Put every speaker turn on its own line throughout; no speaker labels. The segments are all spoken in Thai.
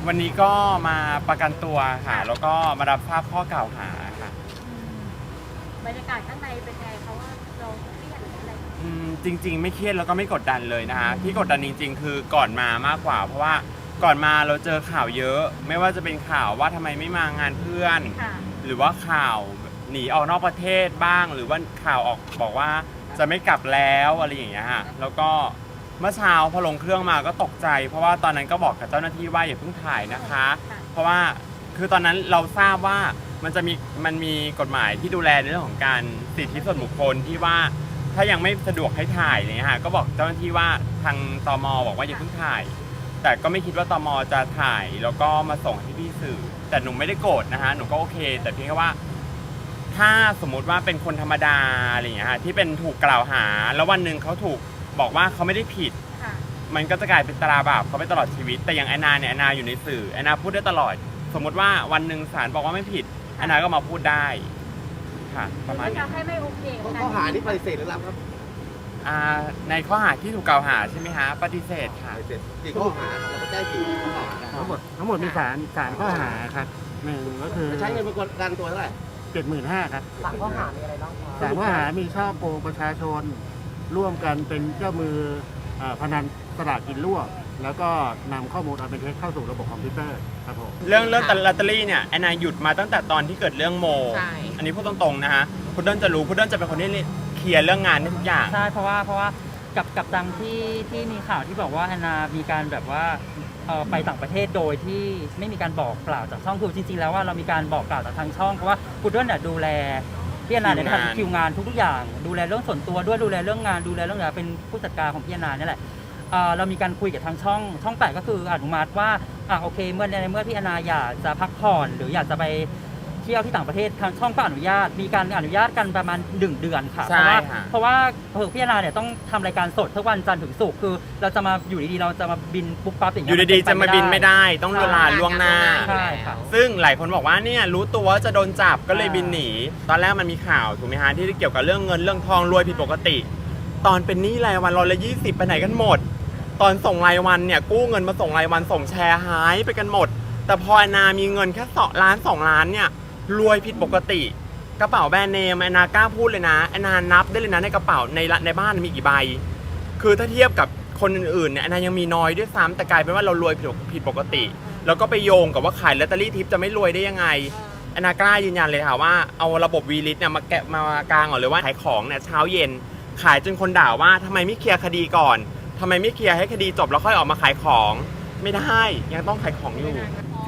วันนี้ก็มาประกันตัวค่ะแล้วก็มารับทราบข้อกล่าวหาค่ะ
บรรยากาศข้างในเป็นไงเขาว่าเราเครียดหรืออะไร
จริงๆไม่เครียดแล้วก็ไม่กดดันเลยนะคะที่กดดันจริงๆคือก่อนมามากกว่าเพราะว่าก่อนมาเราเจอข่าวเยอะไม่ว่าจะเป็นข่าวว่าทำไมไม่มางานเพื่อนหรือว่าข่าวหนีออกนอกประเทศบ้างหรือว่าข่าวออกบอกว่าจะไม่กลับแล้วอะไรอย่างเงี้ยค่ะแล้วก็เมื่อเช้าพอลงเครื่องมาก็ตกใจเพราะว่าตอนนั้นก็บอกกับเจ้าหน้าที่ว่าอย่าเพิ่งถ่ายนะคะเพราะว่าคือตอนนั้นเราทราบว่ามันมีกฎหมายที่ดูแลในเรื่องของการสิทธิส่วนบุคคลที่ว่าถ้ายังไม่สะดวกให้ถ่ายเนี่ยค่ะก็บอกเจ้าหน้าที่ว่าทางตม.บอกว่าอย่าเพิ่งถ่ายแต่ก็ไม่คิดว่าตม.จะถ่ายแล้วก็มาส่งให้พี่สื่อแต่หนูไม่ได้โกรธนะคะหนูก็โอเคแต่เพียงแค่ว่าถ้าสมมุติว่าเป็นคนธรรมดาอะไรอย่างเงี้ยค่ะที่เป็นถูกกล่าวหาแล้ววันหนึ่งเขาถูกบอกว่าเขาไม่ได้ผิดมันก็จะกลายเป็นตราบาปเขาไปตลอดชีวิตแต่อย่างแอนนาเนี่ยแอนนาอยู่ในสื่อแอนนาพูดได้ตลอดสมมติว่าวันหนึ่งศาลบอกว่าไม่ผิดแอนนาก็มาพูดได้ค่ะประมาณนี้
ให้ไม่โอเค
ข้อหานี้ปฏิเสธหรือรับครับ
ในข้อหาที่ถูกกล่าวหาใช่ไหมฮะปฏิเสธค่ะ
ปฏิเสธกี่ข้อหาเราก็แจ้งกี่ข้อหา
ทั้งหมดมีสามข้อหาครับหนึ่งก็คือ
ใช้เงินประกันตัวเท่าไหร่
75,000ครับ
3 ข้อหามีอะไรบ้างครับ
3 ข้อหามีช่อโกงประชาชนร่วมกันเป็นเจ้ามือพนันสลากกินรวบแล้วก็นำข้อมูลอันเป็นเท็จเข้าสู่ระบบคอมพิวเตอร์ครับผม
เรื่องลอตเตอรี่เนี่ยแอนนาหยุดมาตั้งแต่ตอนที่เกิดเรื่องโมอันนี้พูดตรงๆนะฮะพุดเดิ้ลจะรู้พุดเดิ้ลจะเป็นคนที่เคลียร์เรื่องงานให้ทุกอย่าง
ใช่เพราะว่ากับดังที่มีข่าวที่บอกว่าแอนนามีการแบบว่าไปต่างประเทศโดยที่ไม่มีการบอกกล่าวจากช่องคือจริงๆแล้วว่าเรามีการบอกกล่าวจากทางช่องเพราะว่าพุดเดิ้ลเนี่ยดูแลพี่แอนนาเนี่ยทำคิวงานทุกอย่างดูแลเรื่องส่วนตัวด้วยดูแลเรื่องงานดูแลเรื่องอะไรเป็นผู้จัดการของพี่แอนนาเนี่ยแหละเรามีการคุยกับทางช่อง8ก็คืออนุมัติว่าโอเคเมื่อพี่แอนนาอยากจะพักผ่อนหรืออยากจะไปเที่ยวที่ต่างประเทศทางช่องก็อนุญาตมีการอนุญาตกันประมาณ1 เดือนค่ะเพราะว่าพี่แอนนาเนี่ยต้องทำรายการสดทุกวันจันทร์ถึงศุกร์คือเราจะมาอยู่ดีๆเราจะมาบินปุ๊บปั๊บอย่างเงี้
ยอยู่ดีๆจะมาบินไม่ได้ต้องลาล่วงหน้า
ใช่ค่ะ
ซึ่งหลายคนบอกว่าเนี่ยรู้ตัวว่าจะโดนจับก็เลยบินหนีตอนแรกมันมีข่าวถูกไหมฮะที่เกี่ยวกับเรื่องเงินเรื่องทองรวยผิดปกติตอนเป็นหนี้รายวัน120ไปไหนกันหมดตอนส่งรายวันเนี่ยกู้เงินมาส่งรายวันส่งแชร์หายไปกันหมดแต่พอแอนนามีเงินแค่2 ล้าน2 ล้านเนี่ยรวยผิดปกติกระเป๋าแบรนด์เนมแอนนากล้าพูดเลยนะแอนนานับได้เลยนะในกระเป๋าในบ้านมีกี่ใบคือถ้าเทียบกับคนอื่นๆเนี่ยแอนนายังมีน้อยด้วยซ้ำแต่กลายเป็นว่าเรารวยผิดปกติแล้วก็ไปโยงกับว่าขายลอตเตอรี่ทิปจะไม่รวยได้ยังไงแอนนากล้ายืนยันเลยค่ะว่าเอาระบบวีลิสเนี่ยมากางก่อนเลยว่าขายของเนี่ยเช้าเย็นขายจนคนด่าว่าทำไมไม่เคลียร์คดีก่อนทำไมไม่เคลียร์ให้คดีจบแล้วค่อยออกมาขายของไม่ได้ยังต้องขายของอยู่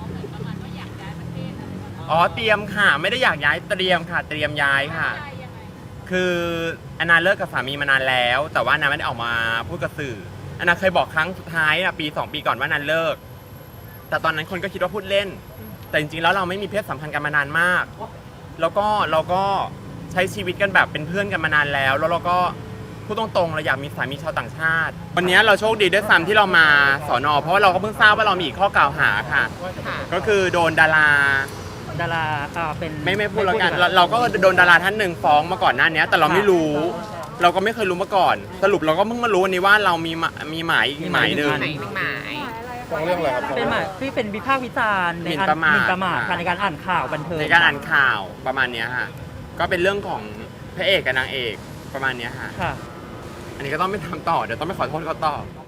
เตรียมค่ะไม่ได้อยากย้ายเตรียมค่ะเตรียมย้ายค่ะคือแอนนาเลิกกับสามีมานานแล้วแต่ว่าแอนนาไม่ได้ออกมาพูดกับสื่อแอนนาเคยบอกครั้งสุดท้ายปี2 ปีก่อนว่าแอนนาเลิกแต่ตอนนั้นคนก็คิดว่าพูดเล่นแต่จริงๆแล้วเราไม่มีเพศสัมพันธ์กันมานานมากแล้วก็เราก็ใช้ชีวิตกันแบบเป็นเพื่อนกันมานานแล้วเราก็พูดตรงๆเราอยากมีสามีชาวต่างชาติวันนี้เราโชคดีด้วยซ้ำที่เรามาสน.เพราะว่าเราก็เพิ่งทราบว่าเรามีอีกข้อกล่าวหาค่ะก็คือโดนดารา
เป็น
ไม่พูดแล้วกันเราก็โดนดาราท่านหนึ่งฟ้องมาก่อนหน้านี้แต่เราไม่รู้เราก็ไม่เคยรู้มาก่อนสรุปเราก็เพิ่งมารู้วันนี้ว่าเรามีหมายอีกหมายหนึ่ง
ฟ้องเรื่องอะไรครับ
เป็นหมายที่เป็นวิพากษ์วิจารณ์ในการประมาทในการอ่านข่าวบันเทิง
ในการอ่านข่าวประมาณนี้ค่ะก็เป็นเรื่องของพระเอกกับนางเอกประมาณนี้ค่ะอันนี้ก็ต้องไปทำต่อเดี๋ยวต้องไปขอโทษเขาต่อ